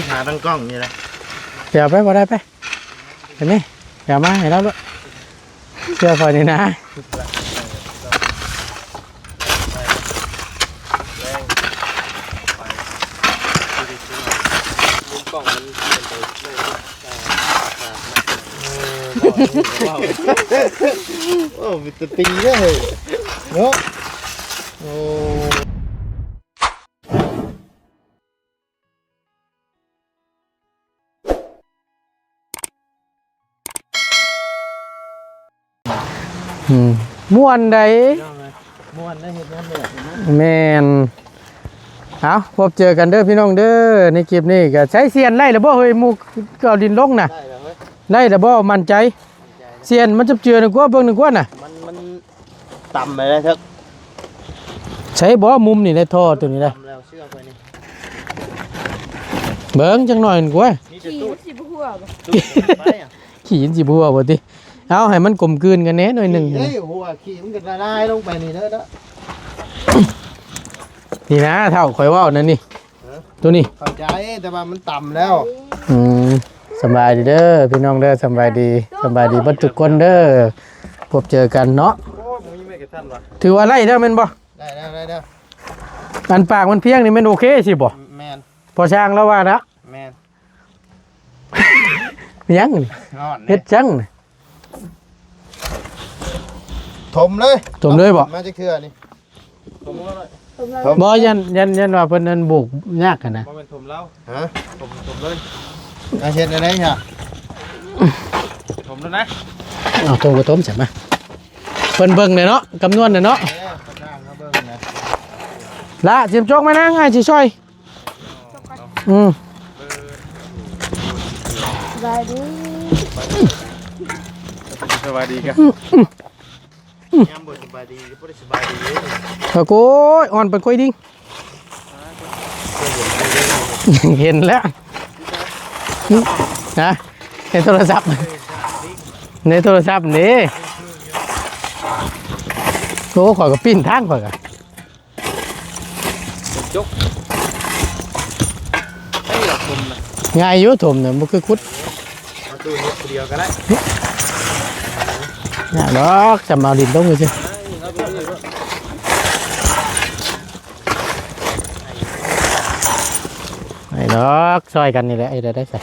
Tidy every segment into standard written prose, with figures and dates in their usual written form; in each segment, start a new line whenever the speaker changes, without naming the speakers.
หาตั้งกล้องนี่แหละ
เดี๋ยวไปบ่ได้ไปเห็นไหมเดี๋ยวมาให้เราด้วยเชื่อพอนี่นะ
โอ้วิตาตีเลยเนาะโอ้
ม่วนใด
ม่วนได้เห็นนั่นเลย
แม่นเอาพบเจอกันเด้อพี่น้องเด้อในคลิปนี้ก็ใช้เสียนไล่แล้วบ่เฮ้ยหมูก็เอาดินลงน่ะไล่แล้วบ่มั่นใจเสียนมันจะเจือนึกว่าเบิ่งนึกว่าน่ะ
มันต่ำไปเลยครับ
ใช้บ่มุมนี่ในท่อตัวนี้ได้เบิ่งจังหน่อยนึกว่า
ขี่สิบหัวบ่
ขี่สิบหัวบ่ติเอาให้มันกลมกลืนกันแน่หน่อยนึง
เฮ้ยหัวขี่มันก็ละลายลงไปนี่เด้อ
นี่นะเท่าข่อยว่านั่นนี่ตัวนี้
เข้าใจแต่ว่ามันต่ำแล้ว
สบายดีเด้อพี่น้องเด้อสบายดีบัดทุกคนเด้อพบเจอกันเนาะถือว่าไล่เด้อแม่นบ่
ได้
อันปากมันเพียงนี่แม่นโอเคสิบ่
แม่น
พอช่างแล้วว่านะ
แม่น
ยังเฮ็ดจัง
ถมเลย
บ่
มาจะคือนี่
บ่ยันว่าเพิ่นนั่นบุกยากกันนะ
บ่แม่นถมแล้วฮะถมเลยเฮ็ดได้เนี่ยถมแล้วนะ
เอาถมก็ถมใช่มั้ยเพิ่นเบิ่งเลยเนาะคำนวณเนาะละเสียมจกมานะง่ายสิช่วย
สบายดี
กันยามบ่สบายดีบ่ได้สบายดี
โอ้ยอ่อนไปค่อยดิ้งเห็นแล้วนะในโทรศัพท์นี่โอ้ข่อยก็ปิ้นทางข่อยก็
จกให้เราถมนะ
ง่ายอยู่ถมเนี่ยมันคือคุด
มาดูเฮ็ดเดียวก็ได้
น่ะดอกจำเอาดินลงเลยสิไอ้ดอกซอยกันนี่แหละไอ้ได้ใส่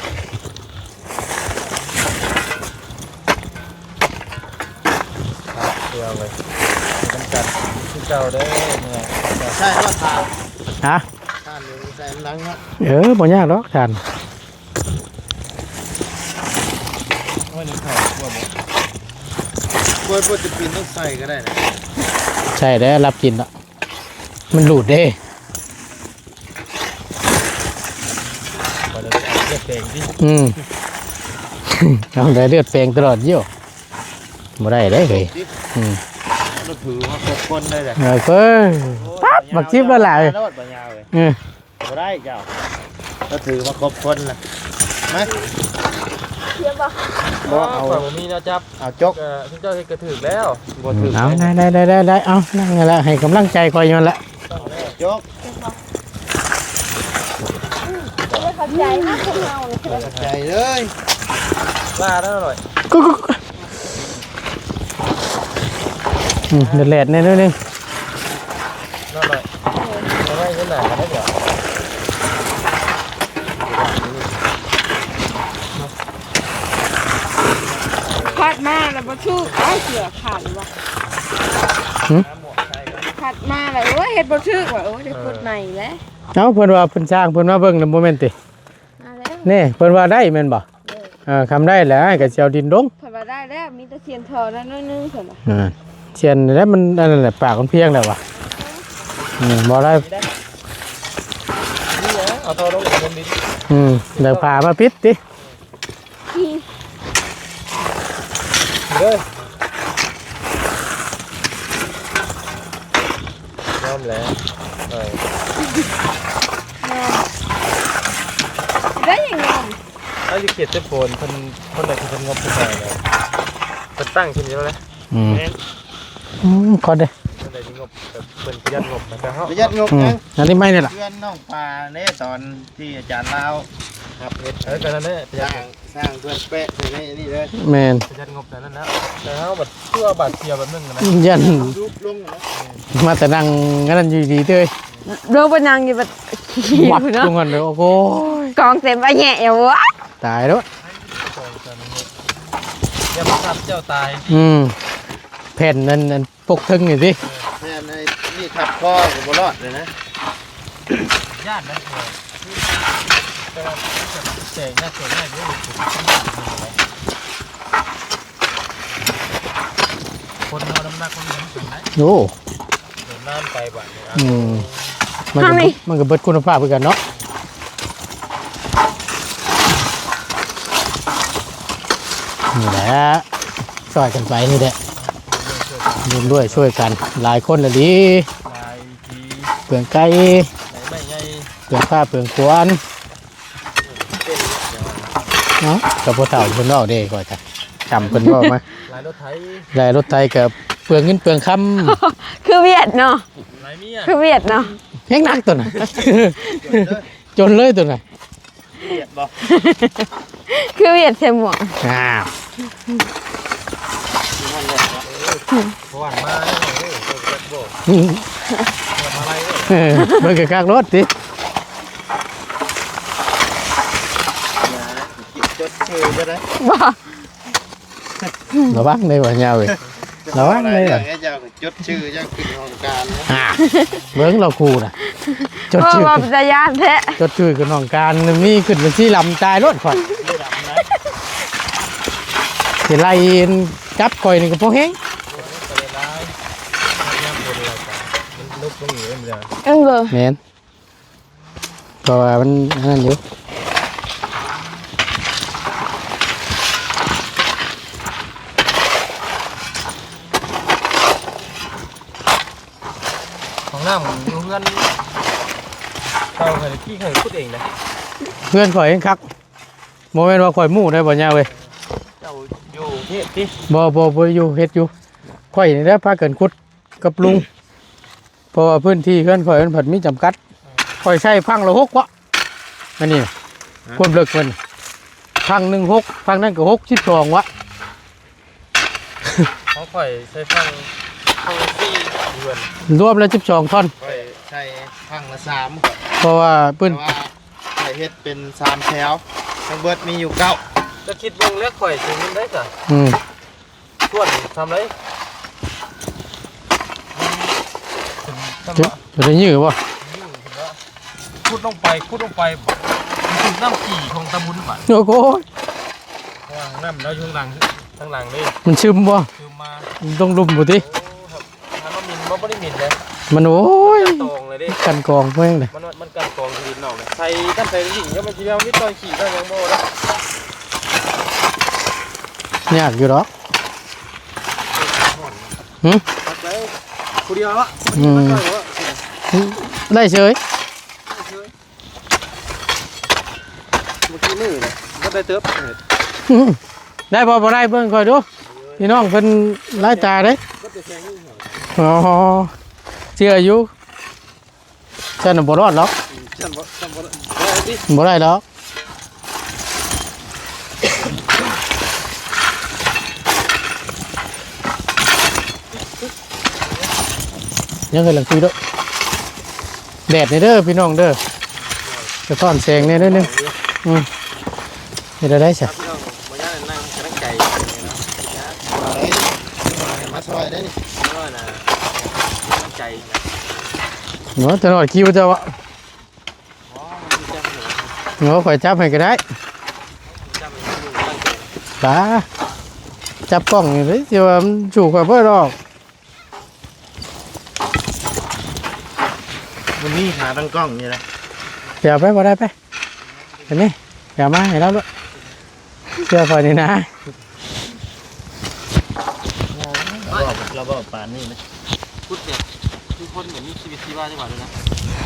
เดียวเลยกันกันที่เจ้าได้เนี่ยใช่ว่าทาน
ฮะ
ทานอยู่ใส่ลังเนาะ
บ่ยากดอกทาน
ว่านี่ข้าวบ่บ่จะกินต้องใส่ก็ได้นะ
ใช่ได้รับกินละมันหลุดเด้
เลือดแปลงดิ
เอาได้เลือดแปลงตลอดเยี่ยวบ่ได้เลย
เราถือว่าครบคนได้เลย
เพิ่งปั๊บบักชิบแล้วแหละ
บ่ได้เจ้าเราถือว่าครบคนนะไหม
เทียบบ่
เอามีนะจับเอาจกที่เจ้ากระถือแล้วบ่ถือ
เอาได้เอานั่งแล้วให้กำลังใจคอยย้อนละ
จก
เข้าใจนะคนเราเลย
เข้าใจเลยว่าได้อร่อย
เดือดแหลดเนี่ยนึง
อร่อยไม่ใช่ไหนกันได้เดี๋ยว
ผัดมาแล้วบ่ชื่อเสือขาดว่ะผัดมาแล้วโอ้ยเฮ็ดบ่ชื่อว่ะโอ้ยได้พูดใหม่แล้ว
เอ้าเพิ่นว่าเพิ่นสร้างเพิ่นว่าเบิ่งนำโมเมนต์ตินี่เพิ่นว่าได้แม่นบ่คำได้แล้วก็สิเอาดินลง
เพิ่นว่าได้แล้วมีแต่เสียนทอนั่นน้อยนึงเพิ่นว่า
เสียนแล้วมันนั่นแหละปากมันเพียงแล้วว่ะบ่ได้
นี่เอาทอลงกับดิน
เดี๋ยวพามาปิดติ
เด้อยอมแล้ว
ได้ยังไง
ถ้าจะเขียนเส้นโฟนคนไหนคือคนงบคนไหนเลยคนตั้งขึ้นเยอะเลย
คนเด้
คนไหนที่งบเป็นประหยัดงบนะครับ
ประหยัดงบนะอันนี้ไม่เนี่ยหรอ
เพื่อนน้องปลาเนี่ยตอนที่อาจารย์เล่าครับเฮ็ดกันนั่นแหละสร้างเพื่อนเป๊ะในนี่เลย
แม่น
ประหยัดงบแต่นั้นแล้วแต่เฮาบัดเพื่อบาดเสียแบบนึงนะ
ยัน
ยุบลงนะ
มาแต่นั่งงั้นอยู่ดีเด้ย
โดนปนังอยู่แบบ
วับตรงนั้นเลยโอ้โห
กองเต็มไปแย่อยู่วะ
ตายแล้ว
อย่ามาทำเจ้าตาย
แผ่นนั่นปกทึงอยู่สิ
แม่ในนี่ทับคอกับบรอดเลยนะญาตินะแต่ว่าแจกน่าสนใจด้วยคนเอาน้ำหนักคนเลี้ยงถึงไหน
โอ้
เดินน้ำไปบ่อย
มันก็เบิดคุณภาพเหมือนกันเนาะนี่แหละช่วยกันไปนี่แหละร่วมด้วยช่วยกันหลายคนเลยดิ
ลายที
เปลืองไก่
ไหนไม่ใหญ่
เปลืองผ้าเปลืองควนเนาะกับพวกเต่าคนนอกเด้ก่อนจ้ะจำคนบอกมา
ลายรถไถ
ลายรถไทยกับเปลืองเงินเปลืองค
คือเวียดเนาะ
ลายเมีย
คือเวียดเนาะ
ำแห้งนักตัวน่ะ จนเลยตัวน่ะ
เบียดบ่
คือเวียดเสมอง
อ้าว
เพราะว่ามาเนี่ยโอ้โหโบมาอะไรเนี่ย
เบิ่งกับกลางรถสิ
จดชื่อจะได้
บ่
ระวังเลยว่ายาวเลยระวังเลย
อ
อ่ะ
ย่างเงี้ยจะจดชื่อจะขึ้นของการนะ
เบิ่งเราคู่น่ะจด
เพราะ
ชื่อ
ว่าเป็นตาญาติแท้
จดชื่อกับน้องการมีขึ้นเป็นที่ลำตายรถข่อย
ไม่ดำนะ
สิไล่จับข่อยนี่ก็พอแห้ง
ไปเลยได้ย่ำบนอะไรกันมันลุกตรงนี้เลย
เบอร์
แม่นเพราะว่ามันอันนั่นอยู่
ของน้ำอยู่เพื่อนเราเคยขี้เคยพูดเองนะ
เพื่อนข่อยเองคักโมเมนต์ว่าข่อยหมู่ได้บ่ยาวเว้ย
เจ้าอยู่เทพที่
บ่อยู่เฮ็ดอยู่ข่อยนี่แหละพากันขุดกับลุงเพราะว่าพื้นที่เพื่อนข่อยมันผัดมีจำกัดข่อยใช้พังละ6วะอันนี้ความเลิกมันพังหนึ่ง6พังนั่นก็62วะ
เขาค่อยใช้ฟังซี่เดือน
รวมแล้ว12ท่อน
ค่อยใช้ฟังละ3
เพราะว่าพื้น
แต่ว่าใส่เฮ็ดเป็น3แถวทั้งเบิดมีอยู่9จะคิดวงเล็กข่อยถึงได้จ้ะ ส่วนทำไร
จะได้ยื้อบ่
พูดลงไปถึงน้ำกี่ของตะบุญบ่ะ
โอ้โห
ว่าน้ำแล้วอยู่ข้างหลังเลย
มันซึมบ่
คือมา
ต้องลุมบ่ติ
โอ้ครับถ้ามันมินมันไม่ได้มินเลย
มันโอ้ย
ตองเลยดิ
กันกองเพิ่งเลย
มันกันกองดินออกเลยใส่ตั้งใส่ดิ่งยังมันจะเอาวิตอยขี่ได้ยังโม่แล้ว
ยากอยู่หรอก
ตัดไปผู้เดียวละ
ได้เฉย
เมื่อกี้มือเลยก็ได้เติบ
ได้บ่ได้เบิ่งค่อยดูพี่น้องเพิ่นหลายตาเด้
ก็จะแข่งนี่เหรอ
อ๋อเชื่ออยู่ฉันน่ะบ่รอดหรอก
ฉันบอกได้ดิ
บ่ได้หรอกยังเคยหลังคุยด้วยแดดนี่เด้อพี่น้องเด้อจะซ่อนแสงนี่เด้อนึงเฮ็ดได้ซะ
ครับพี่น้องมาย่านั่งกำลังใจมาซอยได้นี่ก็นะกำลังใจนะ
เนาะตลอดคิวเจ้าวะ
อ๋อมันจังเหรอ
เนาะข่อยจับให้ก็ได้
จังมันอยู่ตั้งใจ
ป๋าจับกล้องนี่เด้สิว่ามันสู่ข่อยบ่ดอก
วันนี้หาตั้งกล้องนี่แหละ
เดี๋ยวไปบ่ได้ไปเห็นไหมเดี๋ยวมาให้เราด้วยเชื่อข่อยนี่นะ
เราบอกป่านนี่นะพูดเนี่ยทุกคนเหมือนมีชีวิตชีวาจังหวะเลยนะ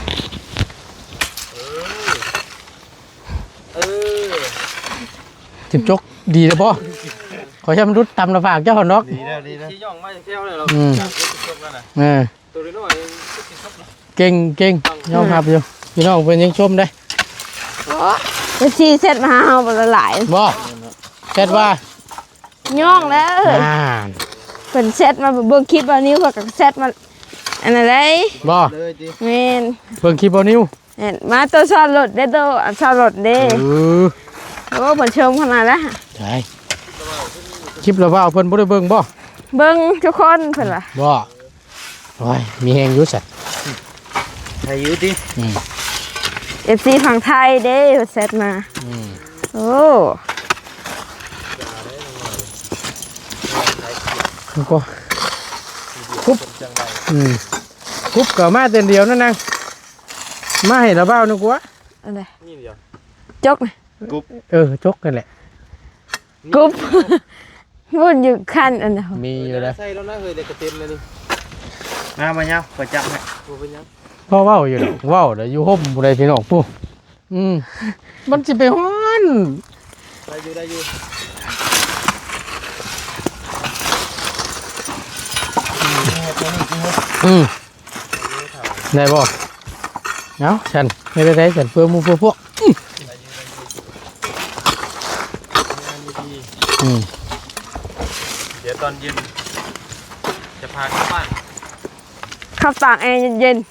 เออ
จิบจกดีเลยพ่อขอใช้มนุษย์ตำละฝากเจ้าหอนก
ดีแล้วที่ย่องมาเที่ยวเลยเราจับรถแล้วนะ ตัวน้อยก็ติดชอบนะ
เก่งยอมรับอยู่พี่น้องเพิ่นยังชมได้
โอ้ FC เซตมาหาเฮาบ่ละหลาย
บ่เช็ดว่า
ย่องแล้ว
อ่า
เพิ่นเซตมาเบิ่งคลิปว่านิ้วเพิ่นก็เซตมาอันนั้นเลย
บ่
เลยดิ
แม่น
เบิ่งคลิปบ่นิ้ว
เห็นมาตัวซ่อนรถเด้อตัวอันซ่อนรถเด้
เออ
โอ้เพิ่นชมขนาดละ
ใช่คลิปแล้วว่าเพิ่นบ่ได้เบิ่งบ่
เบิ่งทุกคนเพิ่นว่า
บ่โอ้ยมีแฮงอยู่สัตว์
ใครอยู่ดิ
อืม
FC ฝั่งไทยเด้เพิ่นเซตมา
อืม
โอ้
แล้วก็คุบคุบก็มาเต็นเดียวนั่นนางมาให้ระเบ้านึกว่า
อะไร
นี่เดียว
จกนะ
จกกันแหละ
กุ๊บวุ่นอยู่คันอันนั้น
มีอยู่แล้ว
ใส่แล้วนะเฮ้ยเด็กกระเต็มเลยนี่มาเนาะประจับให้กูเป็นยัง
พ่อเว้าอยู่ดอกเว้าเดี๋ยวอยู่ห่มบ่ได้พี่น้องผู้มันสิไปฮ้อน
ได้อยู่
ได้บ่เนาะฉันไม่ได้ฉันเพื่อหมู่เพื่อพวก
เดี๋ยวตอนเย็นจะพาเข้าบ้าน
ขับตากแอร์เย็น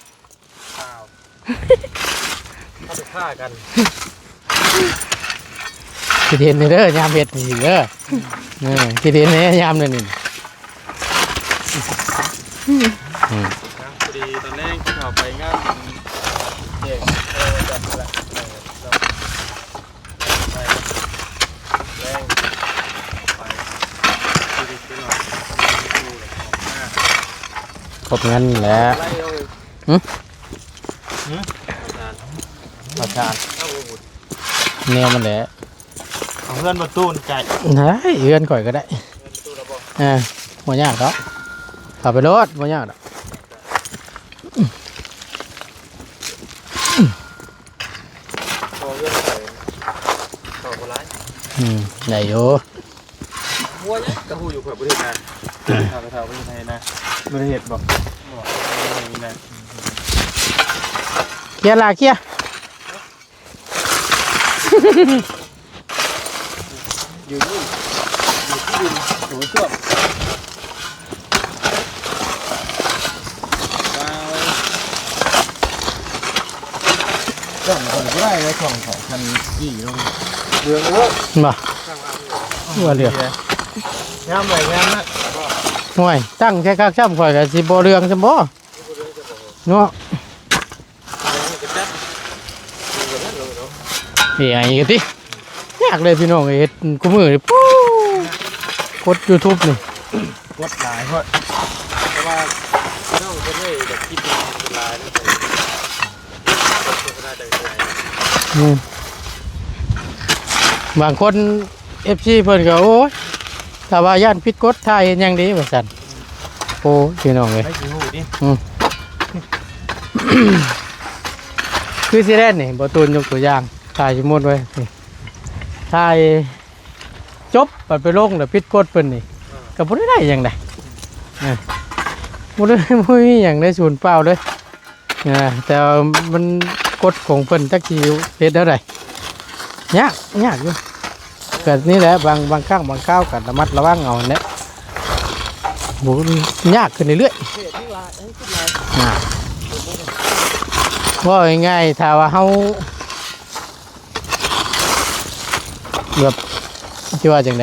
เข้าไปฆ่ากัน
คิดเห็นเด้อยามเฮ็ดนี่เด้อคิดเห็นเนี่ยยามนั่นนี่
พอดีตอนแรกที่เขาไปงานเด็กจับแหละแรงไปดูดิหน่อย
ครบงั้นแหละ
ไล่เอา
ประชาแนวมันแหละ
ของเพื่อนประตูนไก่
ได้เอื้อนข่อยก็ได้บ่ยากดอกเข้าไปรถบ่ยากดอก
พอเพื่อนไปต่อคนร้าย
ได้อยู่
มัวเนี่ยกระหูอยู่ขวดบริษัทข่าวกระเทาบริษัทนะบริษัทบอกอย่างนี้นะ
เคลียร์ล่ะเคลียร์
อยู่ที่ดินถูช่วงช่องคนก็ได้นะช่องของพันยี่ลงเรืองเยอะ
บ่ว่าเรือ
งามเลยงามนะ
ห่วยตั้งแค่คักช้ำข่อยก็สิบ่เรื่องซะบ่เนาะนี่ไอ้กะติยากเลยพี่น้องเฮ็ดกูมือนี่ปู๊กด YouTube นี่
กดหลายเพราะว่าน้องคนนี้แบบคิดเป็นลายนี่เป็นโฆษณาจากไหน
บางคน FC เพิ่นก็โอ้ยถ้าว่าย่านผิดกฎถ่ายเฮ็ดหยังดีว่าซั่นโอ้พี่น้องเอ้ย
ไม่กี่หูดิ
คือสิแล่นนี่บ่ตูนยกตัวอย่างถ่ายสมมุติไว้นี่ถ่ายจบบัดไปลงแล้วผิดกฎเพิ่นนี่ก็บ่ได้หยังได้บ่ได้บ่มีหยังได้ศูนย์เปล่าเลยแต่ว่ามันกฎของเพิ่นจักสิเฮ็ดเท่าใดยากอยู่ก็นี่แหละบางครั้งบางคราวก็ระมัดระวังเอาแหละบ่ยากขึ้นเรื่อยๆว่าง่ายๆถ้าว่าเฮาแบบสิว่าจังได๋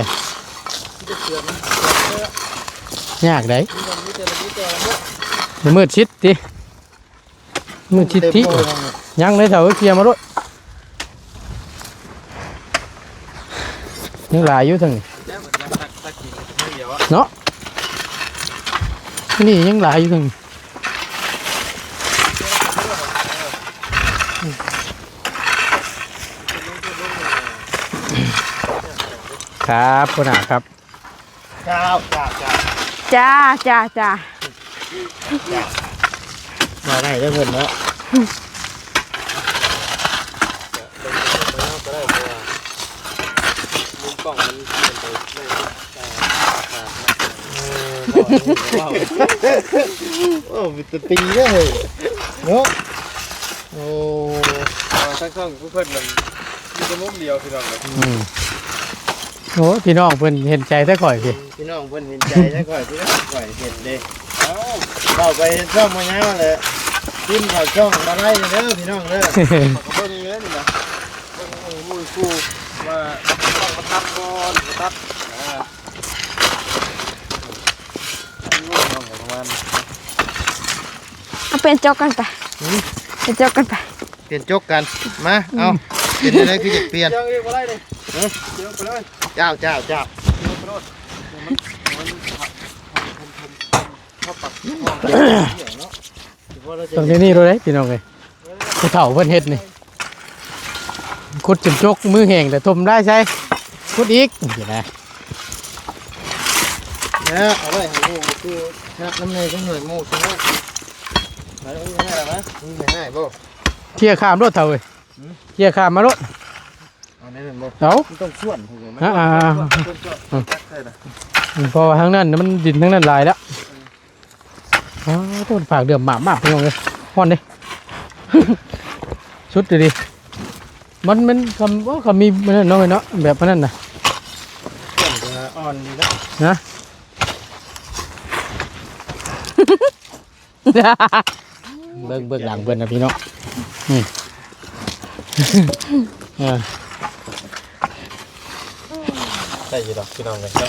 ยากได้มืดชิดติมืดชิดติยังเลยเถอะเคลียร์มาด้วยยังหลายอยู่ทั้งนี้เนาะนี่ยังหลายอยู่ทั้งนี้ครับคุณอาครับ
จ้า
จ้า
มาได้ได้เพิ่นเนาะ
มุมกล้องมันเป็นไปโอ้มีตัวตีเลยเนาะโอ้ทั้งช่องเพื่อนมันจะมุมเดียวพี่น้องเลย
โอ้พี่น้องเพิ่นเห็นใจแต่ข่อยสิ
พี่น้องเพิ่นเห็นใจได้ก่อยพี่น้องก่อยเห็นเด้เราไปช่องมาเงาเลยกินข้าวช่องมาไล่เด้อพี่น้องเด้อเบิ่งเยอะนี่นะเบิ่งมูกูว่าต้องมาทับก่อนมาทับประมาณ
เอาเป็นจกกันไปเป็นจกกันไป
เปลี่ยนจกกันมาเอาเปลี่ยนอะไรคือจะเปลี่ยนเรียกว่าอะไรเลยเดี๋ยวไปเลยเจ้า
ตรงนี้เลยพี่น้องเลยผู้เฒ่าเพิ่นเฮ็ดนี่ขุดจนจกมือแห้งแต่ทมได้ใช่ขุดอีกเห็นไหม
เนี่ยเอาไว้ให้หมูคือชักน้ำในก็เหนื่อยหมูใช่ไหมมาแล้วนี่อะไรนะนี่ไม่ให้บ่
เที่ยข้ามรถเฒ่าเว้ยเที่ยข้ามมารถ
เอาในนั้นบ่
เอา
ต้องส่วนถูกไหม
พอทางนั้นมันดินทางนั้นหลายแล้วอ๋อต้นฝากเดือมหมามากพี่น้องเลยฮ้อนดิ ชุดดิมันคำว่าคำมีมันน้อยเนาะแบบนั้นน่ะ
อ่อนดีแล้ว
นะ เบิ่งหลังเบิ่งนะพี่น้อง
ใช่ยี่ดอกพี่น้องเลยครับ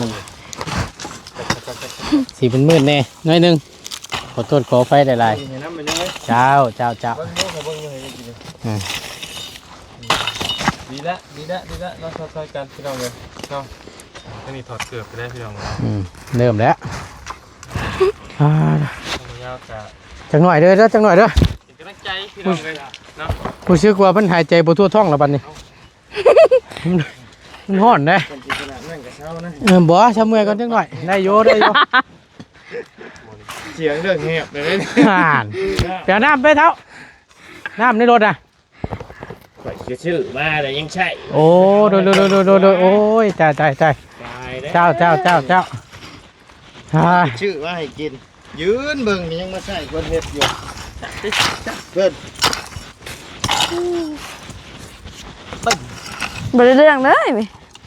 สีเป็นมืดแน่น้อยหนึงขอโทษขอไฟหลาย
เห็นน้ำมันยังไง
ๆเจ้า
เบิ้งเขาเบิ้งยังไงกินดีละเราซอยกันพี่น้องเลยเนาะไม่มีถอดเกือบไปได้พี่น้องเลย
เริ่มแล้ว
ยาวจะ
จังหน่อยเด้อจังหน่อยเด้อ
เป็นกำลังใจพี่น้องเลยเนาะ
ผู้ชื่อกว่ามันหายใจบ่ทั่วท้องแล้วบัดนี้ มันฮ้อนเด้
เป็นจิตนานั่งกับเช้านะ
บ่ชะเมื่อยก่อนจังหน่อยได้อยู่
เสียงเรื่องเงียบเลย
ห่านเดี๋ยวน้ำไปเท่าน้ำในรถอ่ะ
ข่อยชื่อมาแต่ยังใช่
โอ้โดยโอ้ยตายเจ้า
ชื่อว่าให้กินยืนเบิ่งยังมาใส่คนเห็ดอยู่เพิ่น
บ่ได้เรื่องเลยไหม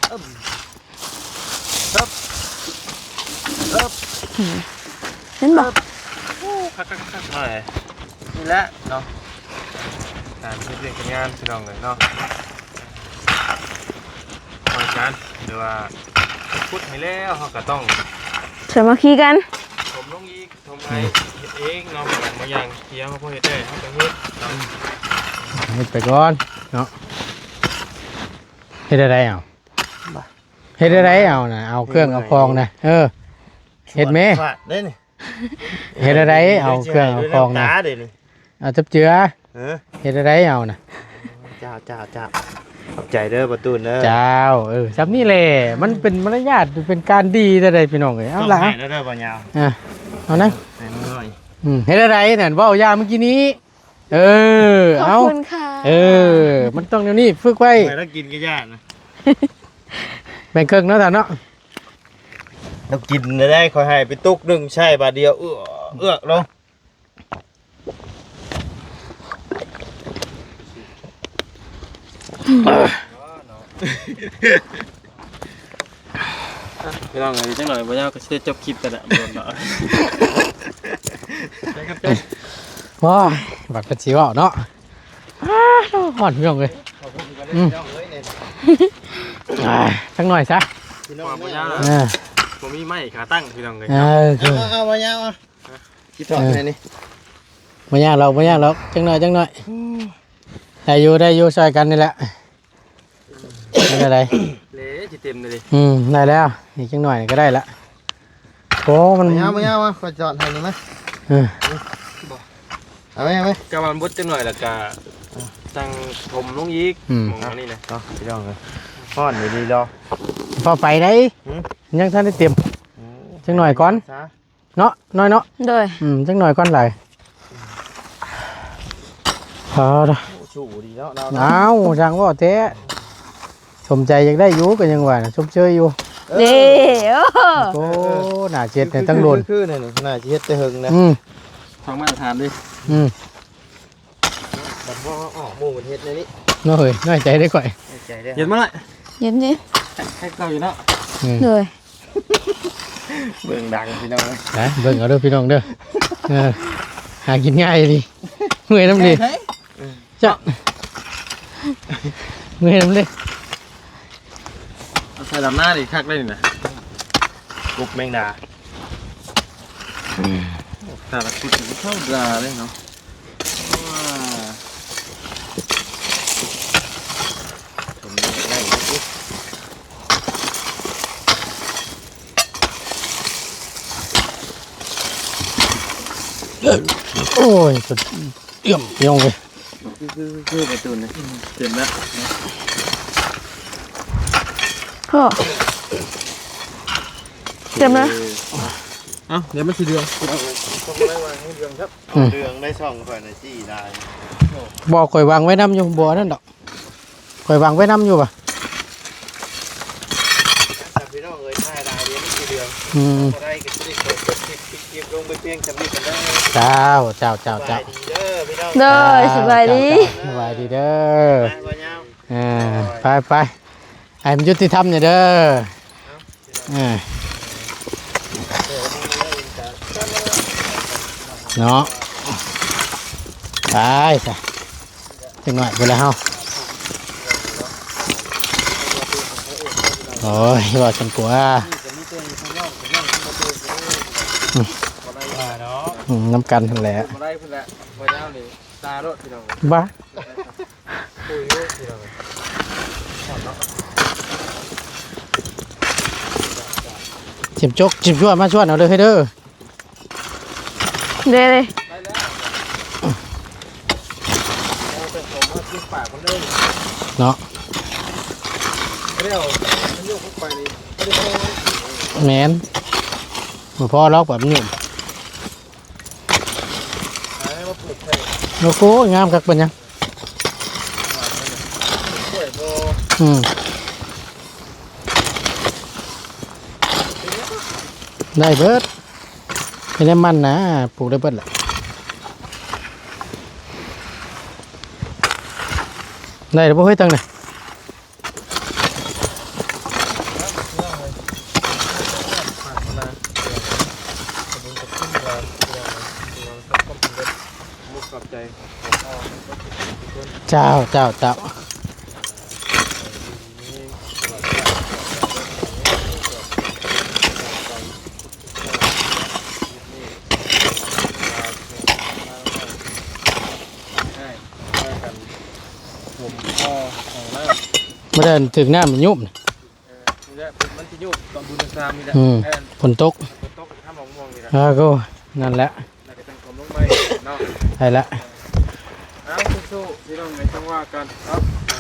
เห็นบ่
คักหน่อยนี่แหละเนาะการเรียนการงานพี่น้องเลยเนาะคอยกันหรือว่าพูดให้แล้วเขาก็ต้อง
สามัคคีกัน
ชมลงอีกชมไอ้เฮ็ดเองเนาะบางอย่างเที่ยวเขาพอเฮ็ดได้เขาก็เฮ็ดเนาะ
เฮ็ดไปก่อนเนาะเฮ็ดอะไรเอาเฮ็ดอะไรเอาน่ะเอาเครื่องเอาฟองน่ะเฮ็ดแม่
ฟาดได้นี่
เฮ็ดอะไรเอาเครื่องเอาฟองน่ะ
ตาเด้นี่
เอาจับเจือ
เ
เฮ็ดอะไรเอาน่ะ
จ้าขอบใจเด้อประตูนเด้อ
เจ้าซับนี่แหละมันเป็นมารยาทเป็นการดีแต่ใดพี่น้องเอ้ยเอาล่ะ
ให้เด้อบ่ยาว
เอานะ
ให้น้อย
เฮ็ดอะไรนั่นเว้ายาเมื่อกี้นี้
ขอ
เอา
บคุณค่ะ
มันต้องเดี๋ยวนี้ฝึกไว้
ไปแล้วกินก็ยากนะ
แบ่งครึ่งเนาะท่านเนาะ
เรากินได้คอยให้ไปตุกหนึ่งใช่บาทเดียวเอื้อลงพี่น้องเลยจังหน่อยบ่ยาวก็สิจบคลิปกันละบ่เนาะ
ว้ายบัดกระชิวเอาเนาะห่อนพี่น้องเลยสักหน่อยซะ
พี่น้องบ่ยาว ผมมีไม้ขาตั้งพี่น้องเลย เอาบ่ยาวอ่ะคิดถอดไหนนี่
ไม่ยากเราจังหน่อยได้อยู่ช่วยกันนี่แหละไม่เป็นไร
เละจิเต็มเลย
ได้แล้วอีกจังหน่อยก็ได้ละโอ้มัน
บ่ยาวอ่ะขอจอดให้นี่มั้ยเอาไหมกะมันบดจังหน่อยแล้วก็ตั้งผมลงอีกมองนี่นะเนาะพี่น้องเลยฮ้อนดีๆรอ
พอไปได้ยังท่านได้เตรียมจังหน่อยก่อนเนาะน้อยเนาะ
โดย
จังหน่อยก่อนเลยพอละ
ชูดีแล้วเรา
เอาช่างว่าเต้สมใจอยากได้อยู่ก็ยังว่าชมเชยอยู่
เด้อ
โอ้หน้าเจ็ดเนี่ยตั้งโดน
คือนี่น่าจะเฮ็ดแต่หึงนะทางมาตรฐานดิบัดพ่อหมู่ประเทศในนี้
น้อยน้อยใจได้ก่อย
ใจได้
เย็นมาเลย
เย็นดิ
ให้เก่าอยู่เนาะ
เลย
เบิ่งดังพี่น้อง
นะเบิ่งเอาเด้อพี่น้องเด้อหากินง่ายดิเมื่อยน้ำดิจ้ะเมื่อยน้ำดิ
เอาใส่ลำหน้าดิคักได้นี่นะ
กุ๊บแมงดา
แต่ละชุดมันเข้าดาเลยเนาะว้า
ผมได้กุ๊บ
โอ้ยสุดเอี่ยมเอี่ยมเลย
คือประตูนี่เห็นแล้ว
พ่อเต็มแล้ว
เอ้าเดี๋ยวมันสีเดือง
ต้องได้วางให้เดืองครับเดืองได้ช่องก่อนนะจี้ได้
บอกข่อยวางไว้น้ำอยู่บ่อนั่นดอกข่อยวางไว้น้ำอยู่ป่ะ
แต่พี่น้องเอ้ยถ่ายได้เดี๋ยวนี่เดือง พอได้ก็จะได้เปิดคลิปลงไปเพียงจำนี้กันได้
เจ้าเจ้าเจ้า
ส
เจ้า
บายดีเด้อพี่น้อง
เลยสบายดี
สบายดีเด้อ
บ่ยาว
ไปไปให้มันยุติธรรมเนี่ยเด้อเนาะไปซะจังหน่อยไปแล้วเฮาโอ้ยว่าฉันกลัว
เนาะ
น้ำกันทั้งแหละ
มาได้พุ่นแหละบ่ยาวนี่ตาโลดพี่น้อง
บ้า
คุยอยู่พี่น้อง
ชิมจกชิมชั่วมาชวนเอาเลยให้เด้อ
เด้เลย
ปากมันเลย
เนาะ
เร็วมันโยกเข้าไปนี่ไม่ได้พอ
แมนบ่พอล็อกแบบนี้
ให้มาปลูกแทน
โอ้โหงามคักเป็นยัง
ช่วยบ่
ได้เบิดไม่ได้มันนะปลูกได้เบิดแหละได้หรือเปล่าเฮ้ยตังเนี่ย
มุกกับใจ
เจ้าเจ้าเจ้ามาเดินถึงหน้ามันยุบ
นี่แหละมันจะยุบตอนบุญสามนี่แหละ
ฝนตก
ฝนตกห้ามมองมองนี่แหละ
ก็นั่นแหละ
น่าจะเป็นความลงไม้เนาะ
ใช่ละ
เอาสู้ๆพี่น้องในจังหวะกันครับ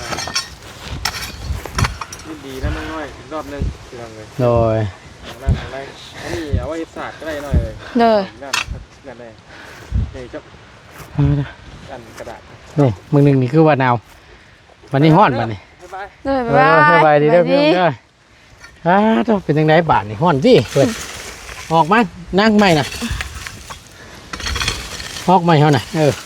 ยินดีนะน้อยอีกรอบนึงพี่น้องเลย
โดย
นั่นอะไรอันนี้เอาไว้ศาสตร์ก็ได้หน่อยเลย
เลย
นั่นเลยนี่จับกันกระดาษ
นี่มึงหนึ่งนี่คือว่าหนาววันนี้ฮ้อนวันนี้
บ๊ายบาย
เลย
สบายดีเด้อพี่น้องเด้อต้องเป็นยังไงบาทนี่ฮ้อนสิเปิดออกมานั่งใหม่น่ะออกใหม่เฮาน่ะ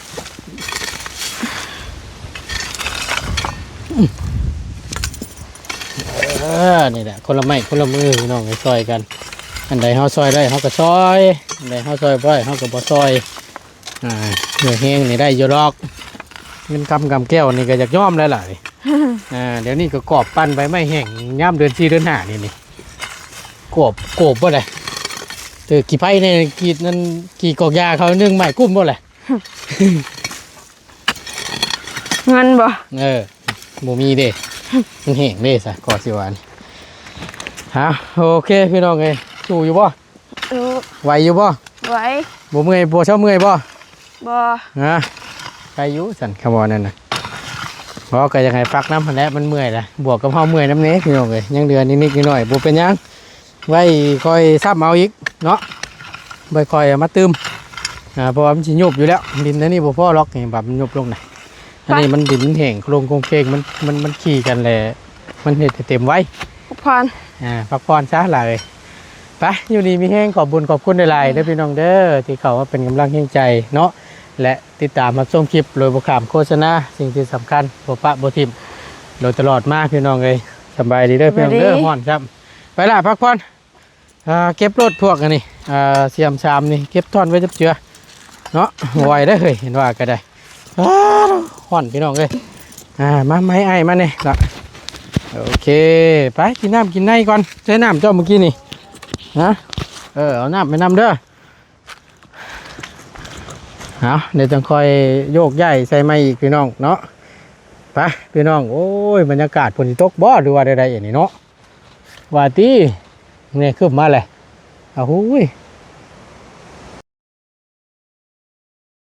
นี่แหละคนละไม้คนละมือพี่น้องไปซอยกันอันใดเฮาซอยได้เฮาก็ซอยอันใดเฮาซอยบ่ได้เฮาก็บ่ซอยเหนื่อยแห้งนี่ได้อยู่ดอกเงินกำแก้วนี่ก็อยากย่อมแล้วล่ะเดี๋ยวนี้ก็กอบปั้นไปไม่แห้งย่ำเดือน4เดือน5นี่กบบ่ได้เจอกี่ไผ่เนี่ยกี่นั่นกี่กอกยาเขานึ่งใหม่กุ้มบ่เลย
เงินบ่
บ่มีเด้ มันแห้งเด้ซะกอสิหวานฮะโอเคพี่น้องเอ้ยสู้อยู่บ่ ไหวอยู่บ่
ไหว
บ่เมื่อยบ่เช้าเมื่อยบ่
บ่
ฮะใครอยู่สั่นคำว่านั่นน่ะเพราะก็ยังให้ฟักน้ำพันแหละมันเมื่อยล่ะบวกกับเฮาเมื่อยน้ำเน้พี่น้องเอ้ยยังเดือนนิดๆหน่อยๆบ่เป็นหยังไว้คอยซ้ำเอาอีกเนาะไว้คอยเอามาตืมเพราะว่ามันสิยุบอยู่แล้วดินอันนี้บ่พอล็อกนี่แบบมันยุบลงน่ะอันนี้มันดินแห้งโครงโครงเคงมันขี่กันแหละมันเฮ็ดให้เต็มไว้
พร
พักผ่อนซะหลายไปอยู่ดีมีแห้งขอบบุญขอบคุณหลายๆเด้อพี่น้องเด้อที่เขาว่าเป็นกำลังแห่งใจเนาะและติดตามมาชมคลิปโดยบ่ขามโฆษณาสิ่งที่สำคัญบ่ปะบ่ทิ่มโดยตลอดมาพี่น้องเอ้ยสบายดีเด้อพี่น้องเด้อฮ้อนครับไปล่ะพักผ่อนเก็บรถพวกอันนี้เสียมชามนี่เก็บท่อนไว้จับเจือเนาะไหวได้อเฮ้ยเห็นว่าก็ได้ฮ้อนพี่น้องเอ้ยมาไม้ไอ้มาเนี่ยละโอเคไปกินน้ำกินในก่อนใช้น้ำเจ้าเมื่อกี้นี่นะเอาน้ำไปนำเด้อเอาเดี๋ยวจะคอยโยกย้ายใส่ไม้อีกพี่น้องเนาะไปพี่น้องโอ้ยบรรยากาศฝนตกบ่หรือว่าใดๆอย่างนี้เนาะว่าตีเนี่ยขึ้นมาเลยอ้าว